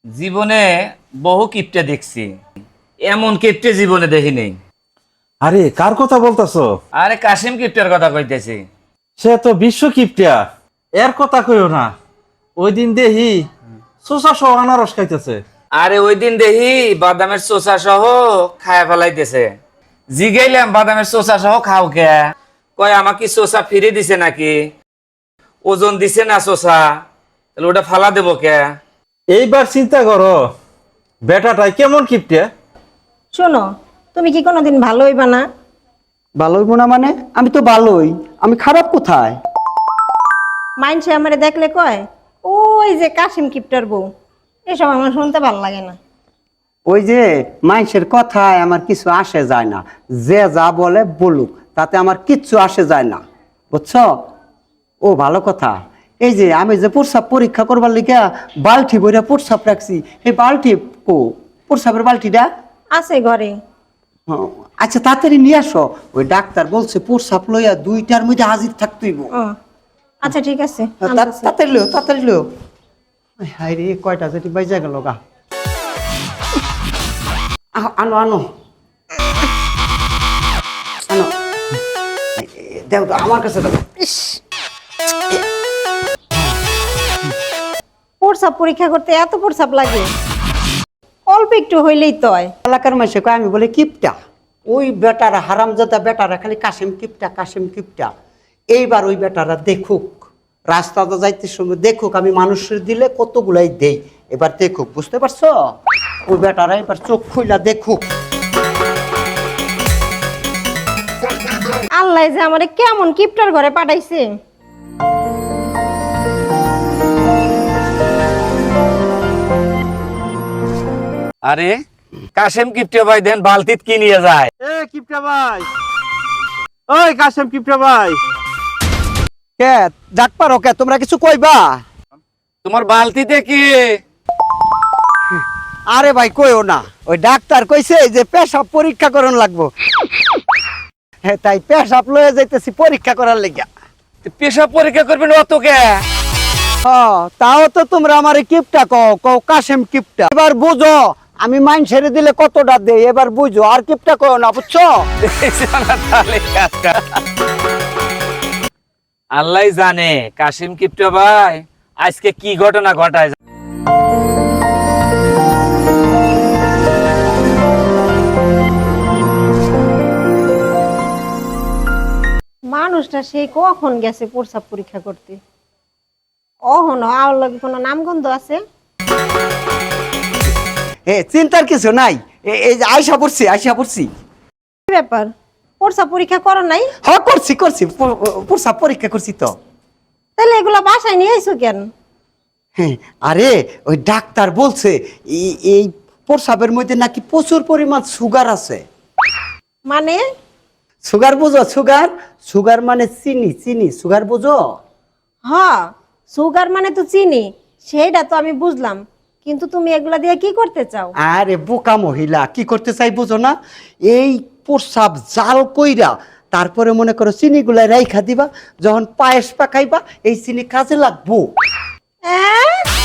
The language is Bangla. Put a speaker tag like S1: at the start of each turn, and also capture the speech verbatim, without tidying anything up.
S1: জীবনে বহু কিপটে দেখছি, এমন কিপটে জীবনে দেখি নেই।
S2: আরে কার কথা বলতাছো?
S1: আরে কাশিম কিপটের কথা কইতেছি।
S2: সে তো বিশ্ব কিপটিয়া, এর কথা কইও না। ওই দিন দেহি চোষা সহ আনারস খাইতেছে।
S1: আরে ওই দিন দেখি বাদামের চোষা সহ খায়া ফেলাইতেছে। জিগাইলাম বাদামের চোষা সহ খাও কে? কয় আমাকে চোষা ফিরে দিছে নাকি, ওজন দিছে না চোষা, তাহলে ওটা ফালা দেবো কে?
S2: এইবার চিন্তা করো বেটাটাই কেমন কিপটিয়া।
S3: শোনো, তুমি কি কোনোদিন ভালো হইবা না?
S4: ভালো হইব না মানে? আমি তো ভালোই, আমি খারাপ কোথায়?
S3: মাইনসে আমারে দেখলে কয় ওই যে কাশিম কিপটার বউ। এসব আমার শুনতে ভালো লাগে না।
S4: ওই যে মানুষের কথায় আমার কিছু আসে যায় না, যে যা বলে বলুক, তাতে আমার কিচ্ছু আসে যায় না, বুঝছো? ও ভালো কথা, এই যে আমি যে প্রস্রাব পরীক্ষা করবার লিগে বালতি বইরা প্রস্রাব রাখছি, এই বালতি কো প্রস্রাবের বালতিটা
S3: আছে ঘরে।
S4: হ্যাঁ, আচ্ছা তাড়াতাড়ি নিয়ে আসো। ওই ডাক্তার বলছে প্রস্রাব লইয়া দুইটার মধ্যে হাজির থাকতেইব।
S3: ও আচ্ছা ঠিক আছে,
S4: তা-
S3: আনতেছি।
S4: তাড়াতাড়ি লো তাড়াতাড়ি লো। হাই রে কয়টা যেটি বাইজা গেল গা। আহ, আনো আনো আনো, দেও তো আমার কাছে দাও।
S3: প্রস্রাব পরীক্ষা করতে এত প্রস্রাব লাগে? অল্প একটু হইলেই তো হয়।
S4: এলাকার মাসে কয় আমি বলে কিপটা, ওই বেটারা হারামজাদা বেটারা খালি কাশিম কিপটা কাশিম কিপটা। এইবার ওই বেটারা দেখুক, রাস্তাতে যাইতে সময় দেখুক আমি মানুষের দিলে কতগুলাই দেই, এবার দেখুক, বুঝতে পারছো? ওই বেটারা এবার চোখ খুইলা দেখুক।
S3: আল্লাহ যে আমারে কেমন কিপটার ঘরে পাঠাইছে।
S1: আরে কাশিম কিপটে ভাই দেন বালতিত কি নিয়ে যায়?
S2: এ কিপটা ভাই, ওই কাশেম কিপটা ভাই।
S4: কে ডাক পারো কে? তোমরা কিছু কইবা?
S1: তোমার বালতিতে কি?
S4: আরে ভাই কইও না, ওই ডাক্তার কইছে যে পেশাব পরীক্ষা করন লাগবো, হ্যাঁ তাই পেশাব লয়ে যাইতেছি পরীক্ষা করার লেগা।
S1: পেশাব পরীক্ষা করবেন অত কে?
S4: হ্যাঁ তাও তো তোমরা আমারে কিপটা কও, কও কাশেম কিপটা। এবার বুঝো আমি মাইন ছেড়ে দিলে কতটা দেই, এবার বুঝো, আর কিপটা কও না, বুঝছো?
S1: আল্লাহ জানে কাশিম কিপটে ভাই আজকে কি ঘটনা ঘটায়।
S3: মানুষটা সেই কখন গেছে প্রস্রাব পরীক্ষা করতে? অহন আর লগে কোনো নামগন্ধ আছে?
S4: এ চিন্তার কিছু নাই, এ- এই যে আইসা পড়ছি আইসা পড়ছি।
S3: কি ব্যাপার, প্রস্রাব পরীক্ষা করো নাই?
S4: হ্যাঁ করছি করছি, প- প্রস্রাব পরীক্ষা করছি তো।
S3: তাহলে এগুলা বাসায় নিয়ে আইছো কেন?
S4: হ্যাঁ, আরে ওই ডাক্তার বলছে এই- এই প্রস্রাবের মধ্যে নাকি প্রচুর পরিমাণ সুগার আছে।
S3: মানে?
S4: সুগার বুঝো? সুগার সুগার মানে চিনি, চিনি সুগার বুঝো?
S3: হ্যাঁ, সুগার মানে তো চিনি, সেইটা তো আমি বুঝলাম, কিন্তু তুমি এগুলা দিয়ে কি করতে চাও?
S4: আরে বোকা মহিলা, কি করতে চাই বুঝো না? এই প্রস্রাব জাল কইরা তারপরে মনে করো চিনি গুলাই রাইখা দিবা, যখন পায়েস পাকাইবা এই চিনি কাজে লাগবো।
S3: এ?